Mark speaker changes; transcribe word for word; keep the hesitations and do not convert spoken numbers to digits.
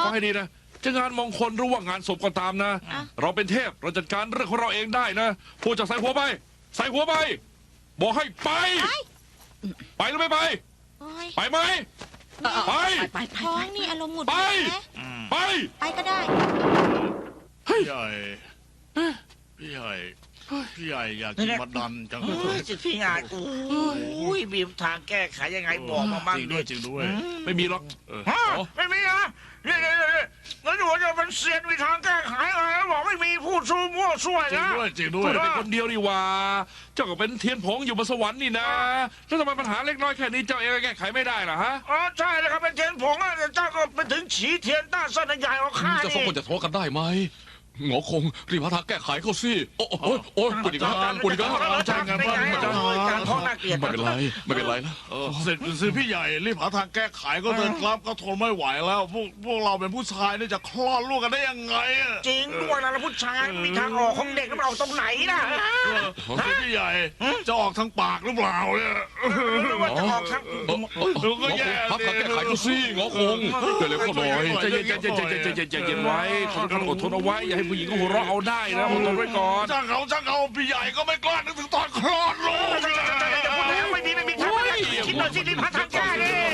Speaker 1: ฟังให้ดีนะจะงานมงคลหรือว่างานศพก็ตามนะ
Speaker 2: อ่ะ
Speaker 1: เราเป็นเทพเราจัดการเรื่องของเราเองได้นะพูดจากใส่หัวไป ใส่หัวไป บอกให้ไป
Speaker 2: ไป
Speaker 1: ไปหรือไม่ไป
Speaker 2: โอ้ย
Speaker 1: ไปไหม ไป
Speaker 3: ไปไป
Speaker 2: ท้องนี่อารมณ์หงุดห
Speaker 1: ไป
Speaker 2: งิดนะ
Speaker 1: ไป
Speaker 2: ไปก็ได้
Speaker 4: พี่ใหญ่พี่ใหญ่พี่ใหญ่อยากกินมาดันจัง
Speaker 5: เฮ้ยสิพี่ใหญ่โอ้ยมีทางแก้ไขยังไงบอกมาบ้าง
Speaker 4: จริง
Speaker 5: ดิ
Speaker 4: ด้วยจริงด้วย
Speaker 1: ไม่มีหรอก
Speaker 4: เออ
Speaker 5: ฮะไม่มีนะนี่นี่นี่แล้วหนูจะเป็นเซียนมีทางแก้ไขอะไรแล้วบอกไม่มีพูดซูมั่วซั่ว
Speaker 4: จริง
Speaker 5: นะ
Speaker 4: ด้วยจริงด้
Speaker 1: พู
Speaker 4: ว
Speaker 1: ด
Speaker 4: ย
Speaker 1: เป็นคนเดียวนี่หว่า เจ้าก็เป็นเทียนผงอยู่บนสวรรค์นี่นะ แล้วทำไมปัญหาเล็กน้อยแค่นี้เจ้าเองก็แก้ไขไม่ได้ล่ะฮะ
Speaker 5: อ๋อใช่แล้วครับเป็นเทียนผงอ่ะแต่เจ้าก็เป็นถึงฉีเทียนต้าเส้นใหญ่กว่าข้า
Speaker 6: จะสอง
Speaker 5: นี่
Speaker 6: คนจะทะเลาะกันได้ไหมหงอคงรีบหาทางแก้ไขเขาสิโอ้โอ้โอ้ยปวดอีกแล้วปวดอีกแล้ว
Speaker 5: อาจารย์เป็นไงอาจารย์ท้องน่าเกลียด
Speaker 6: ไม่เป็นไรไม่เป็นไรนะ
Speaker 4: เออเสร็จสิพี่ใหญ่รีบหาทางแก้ไขก็เถอะครับก็ทนไม่ไหวแล้ว พวกพวกเราเป็นผู้ชายนี่จะคลอดลูกกันได้ยังไงอะ
Speaker 5: จริงด้วยนะแล้วผู้ชายมีทางออกของเด็กแล้วมันออกตรงไหนล่ะ
Speaker 4: เออพี่ใหญ่จะออกทางปากหรือเปล่าเนี่ย
Speaker 5: หรือว่าจะออกทาง
Speaker 6: เออเออ
Speaker 4: ดู
Speaker 6: ห
Speaker 4: ก็
Speaker 6: งอค
Speaker 4: แย่
Speaker 6: งพักทางแก้ไขเขาสิหงอคงเดี๋ยวเร็วเข้าหน่อย
Speaker 1: ใจเย็นใจเย็นใจเย็นใจเย็นใจเย็นไว้เขาต้องอดทนเอาไว้ อย่าให้ผู้หญิงเขาหัวเราะเอาได้นะอดทนไว้ก่อน
Speaker 4: จ้างเขาจ้างเขาพี่ใหญ่ก็ไม่กล้านึกถึงตอนคลอดลูก
Speaker 5: จะพูดแล้วไม่มีไม่มีทางคิดหน่อยสิรีบหาทางแก้ดิ